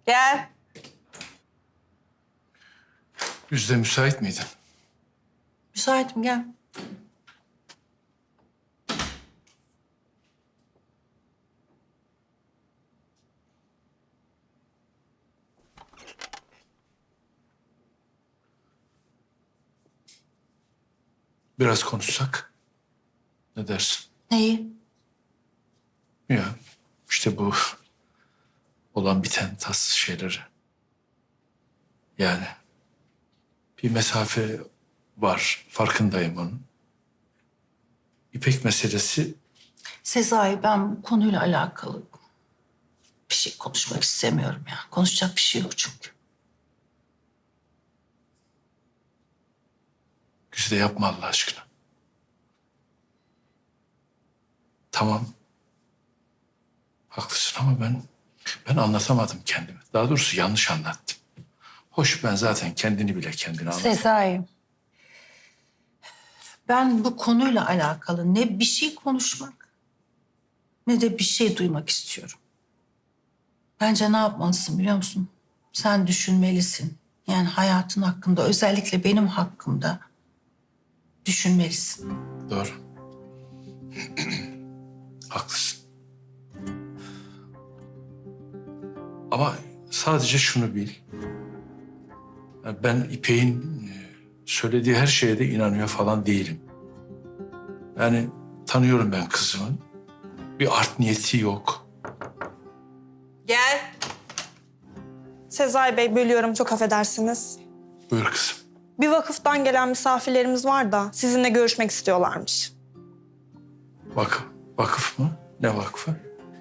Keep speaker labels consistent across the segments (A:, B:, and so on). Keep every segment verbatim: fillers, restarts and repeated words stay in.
A: Gel.
B: Yüzde müsait miydin?
A: Müsaitim, gel.
B: Biraz konuşsak. Ne dersin?
A: Neyi?
B: Ya işte bu olan biten tatsız şeyleri. Yani bir mesafe var, farkındayım onun. İpek meselesi
A: Sezai, ben bu konuyla alakalı bir şey konuşmak istemiyorum ya. Konuşacak bir şey yok çünkü.
B: Güzide yapma Allah aşkına. Tamam. Haklısın ama ben ben anlatamadım kendimi. Daha doğrusu yanlış anlattım. Hoş ben zaten kendini bile kendine anlattım.
A: Sezai, ben bu konuyla alakalı ne bir şey konuşmak ne de bir şey duymak istiyorum. Bence ne yapmalısın biliyor musun? Sen düşünmelisin. Yani hayatın hakkında, özellikle benim hakkımda düşünmelisin.
B: Doğru. Haklısın. Ama sadece şunu bil. Yani ben İpek'in e, söylediği her şeye de inanıyor falan değilim. Yani tanıyorum ben kızımın. Bir art niyeti yok.
A: Gel.
C: Sezai Bey, bölüyorum, çok affedersiniz.
B: Buyur kızım.
C: Bir vakıftan gelen misafirlerimiz var da sizinle görüşmek istiyorlarmış.
B: Vakıf, vakıf mı? Ne vakfı?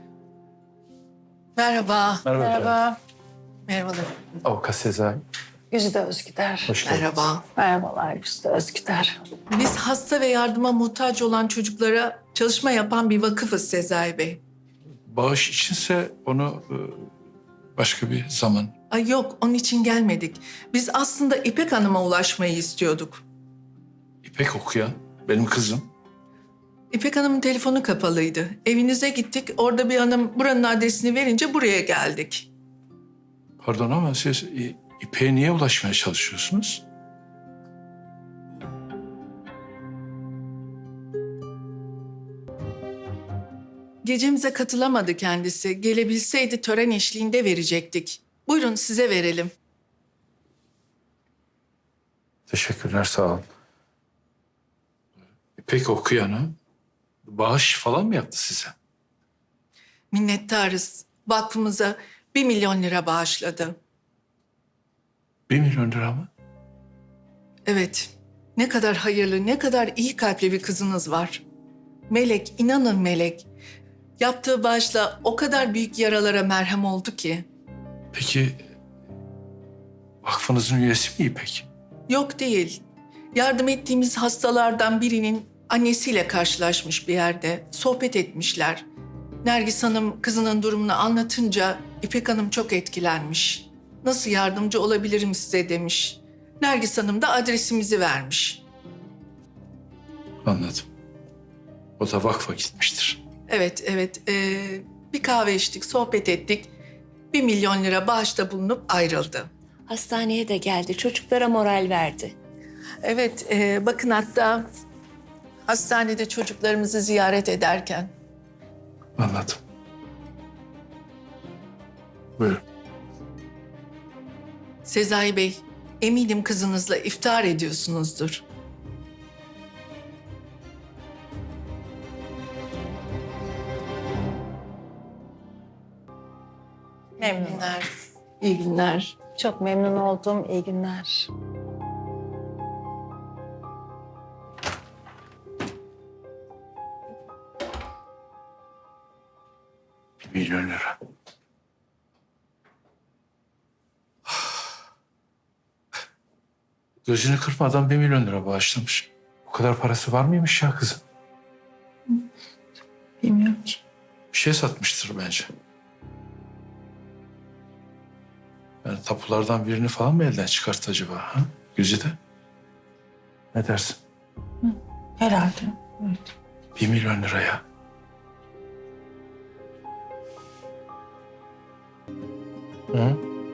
A: Merhaba.
B: Merhaba
A: Merhaba. Merhabalar.
B: Avukat Sezai.
A: Güzide Özgüder.
B: Hoş geldiniz.
D: Merhaba.
A: Merhabalar Güzide Özgüder.
D: Biz hasta ve yardıma muhtaç olan çocuklara çalışma yapan bir vakıfız Sezai Bey.
B: Bağış içinse onu e, başka bir zaman.
D: Ay yok, onun için gelmedik. Biz aslında İpek Hanım'a ulaşmayı istiyorduk.
B: İpek okuyan benim kızım.
D: İpek Hanım'ın telefonu kapalıydı. Evinize gittik, orada bir hanım buranın adresini verince buraya geldik.
B: Pardon ama siz İ- İpek'e niye ulaşmaya çalışıyorsunuz?
D: Gecemize katılamadı kendisi. Gelebilseydi tören eşliğinde verecektik. Buyurun size verelim.
B: Teşekkürler, sağ olun. İpek okuyanı bağış falan mı yaptı size?
D: Minnettarız. Vakfımıza bir milyon lira bağışladı.
B: Bir milyon lira mı?
D: Evet. Ne kadar hayırlı, ne kadar iyi kalpli bir kızınız var. Melek, inanın Melek. Yaptığı bağışla o kadar büyük yaralara merhem oldu ki.
B: Peki vakfınızın üyesi mi İpek?
D: Yok değil. Yardım ettiğimiz hastalardan birinin annesiyle karşılaşmış bir yerde. Sohbet etmişler. Nergis Hanım kızının durumunu anlatınca İpek Hanım çok etkilenmiş. Nasıl yardımcı olabilirim size demiş. Nergis Hanım da adresimizi vermiş.
B: Anladım. O da vakfa gitmiştir.
D: Evet, evet. Ee, bir kahve içtik, sohbet ettik. Bir milyon lira bağışta bulunup ayrıldı.
E: Hastaneye de geldi. Çocuklara moral verdi.
D: Evet, e, bakın hatta hastanede çocuklarımızı ziyaret ederken.
B: Anladım. Buyurun.
D: Sezai Bey, eminim kızınızla iftar ediyorsunuzdur.
A: Memnun.
D: Günler, iyi günler.
A: Çok memnun oldum. İyi günler.
B: Bir milyon lira. Gözünü kırpmadan bir milyon lira bağışlamış. O kadar parası var mıymış ya kızım?
A: Bilmiyorum ki.
B: Bir şey satmıştır bence. Yani tapulardan birini falan mı elden çıkarttı acaba? Ha? Güzide. Ne dersin?
A: Herhalde. Evet.
B: Bir milyon liraya. Hı?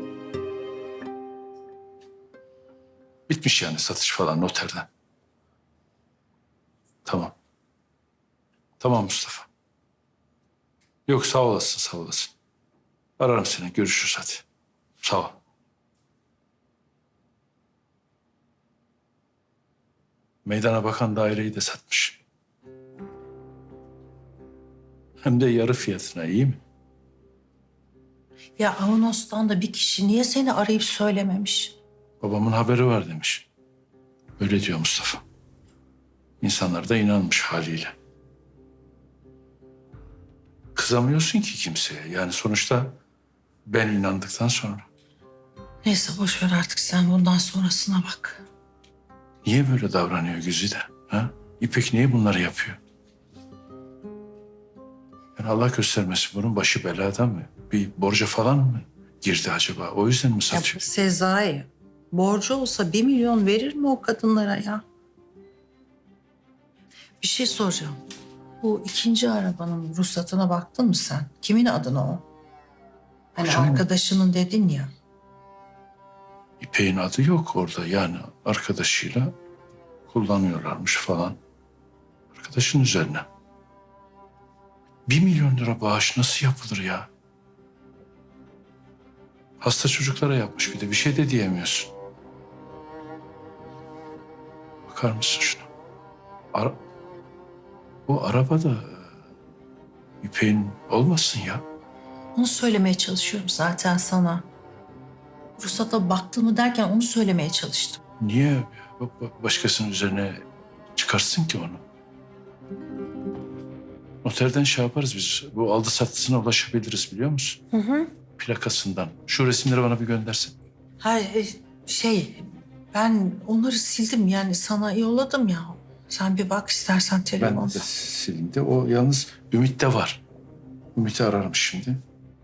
B: Bitmiş yani satış falan noterden. Tamam. Tamam Mustafa. Yok sağ olasın sağ olasın. Ararım seni görüşürüz hadi. Sağ ol. Meydana bakan daireyi de satmış. Hem de yarı fiyatına iyi mi?
A: Ya Avanos'tan da bir kişi niye seni arayıp söylememiş?
B: Babamın haberi var demiş. Öyle diyor Mustafa. İnsanlar da inanmış haliyle. Kızamıyorsun ki kimseye. Yani sonuçta ben inandıktan sonra.
A: Neyse boş ver artık sen bundan sonrasına bak.
B: Niye böyle davranıyor Güzide? Ha? İpek niye bunları yapıyor? Yani Allah göstermesin bunun başı beladan mı? Bir borca falan mı girdi acaba? O yüzden mi
A: Ya
B: satıyor?
A: Sezai, borcu olsa bir milyon verir mi o kadınlara ya? Bir şey soracağım. Bu ikinci arabanın ruhsatına baktın mı sen? Kimin adına o? Hani
B: Hocam-
A: arkadaşının dedin ya.
B: İpek'in adı yok orada. Yani arkadaşıyla kullanıyorlarmış falan. Arkadaşın üzerine. Bir milyon lira bağış nasıl yapılır ya? Hasta çocuklara yapmış bir de. Bir şey de diyemiyorsun. Bakar mısın şuna? Ara... Bu araba da e, İpek'in olmasın ya.
A: Onu söylemeye çalışıyorum zaten sana. Ruhsata baktın mı derken onu söylemeye çalıştım.
B: Niye ba- ba- başkasının üzerine çıkarsın ki onu? Noterden şey yaparız biz. Bu aldı sattısına ulaşabiliriz biliyor musun?
A: Hı hı.
B: Plakasından. Şu resimleri bana bir göndersin.
A: Ha e, şey ben onları sildim yani sana yolladım ya. Sen bir bak istersen
B: Ben
A: telefonda.
B: de silindi. O yalnız Ümit'te var. Ümit'i ararım şimdi.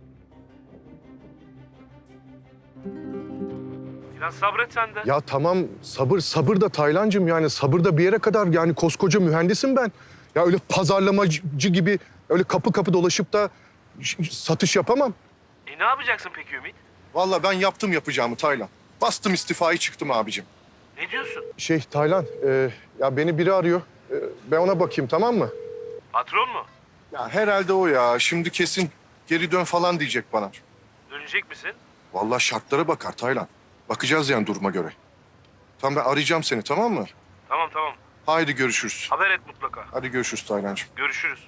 F: Biraz sabret sen de.
G: Ya tamam sabır sabır da Taylancığım yani sabır da bir yere kadar yani koskoca mühendisim ben. Ya öyle pazarlamacı gibi öyle kapı kapı dolaşıp da ş- satış yapamam.
F: E ne yapacaksın peki Ümit?
G: Vallahi ben yaptım yapacağımı Taylan. Bastım istifayı çıktım abicim.
F: Ne diyorsun?
G: Şey Taylan e, ya beni biri arıyor. E, ben ona bakayım tamam mı?
F: Patron mu?
G: Ya herhalde o ya. Şimdi kesin geri dön falan diyecek bana.
F: Dönecek misin?
G: Vallahi şartlara bakar Taylan. Bakacağız yani duruma göre. Tamam ben arayacağım seni tamam mı?
F: Tamam tamam.
G: Haydi görüşürüz.
F: Haber et mutlaka.
G: Hadi görüşürüz Taylancığım.
F: Görüşürüz.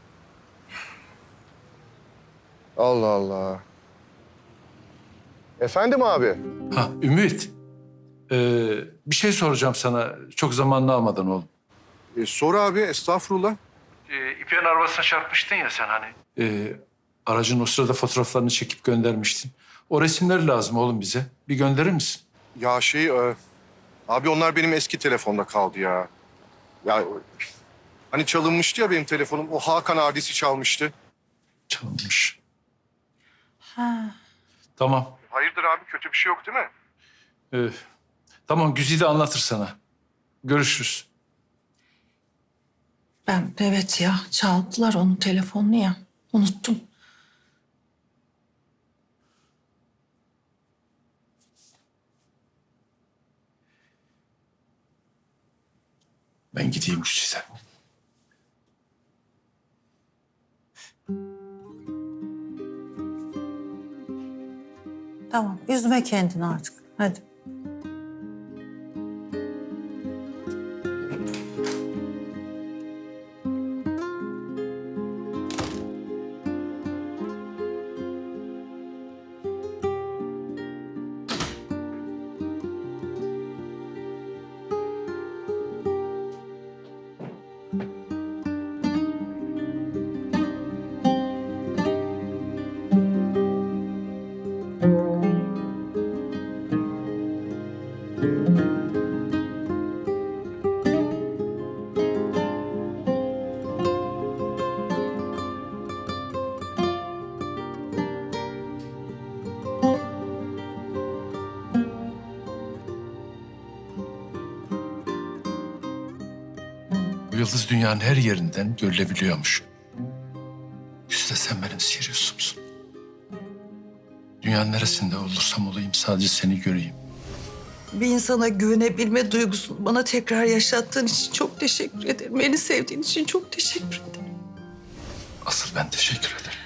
G: Allah Allah. Efendim abi?
B: Ha Ümit. Ee, bir şey soracağım sana. Çok zamanını almadan oğlum.
G: E, sor abi estağfurullah.
B: Ee, İpek'in arabasına çarpmıştın ya sen hani. Ee, aracın o sırada fotoğraflarını çekip göndermiştin. O resimleri lazım oğlum bize. Bir gönderir misin?
G: Ya şey e, abi onlar benim eski telefonda kaldı ya. Ya hani çalınmıştı ya benim telefonum. O Hakan abisi çalmıştı.
B: Çalınmış.
A: Ha.
B: Tamam.
G: Hayırdır abi kötü bir şey yok değil mi?
B: Ee, tamam Güzide anlatır sana. Görüşürüz.
A: Ben evet ya çaldılar onun telefonunu ya. Unuttum.
B: Ben gideyim Güzide.
A: Tamam üzme kendini artık. Hadi.
B: Bu yıldız dünyanın her yerinden görülebiliyormuş. Güzide sen benim Sirius'umsun. Dünyanın neresinde olursam olayım sadece seni göreyim.
A: bir insana güvenebilme duygusunu bana tekrar yaşattığın için çok teşekkür ederim. Beni sevdiğin için çok teşekkür ederim.
B: Asıl ben teşekkür ederim.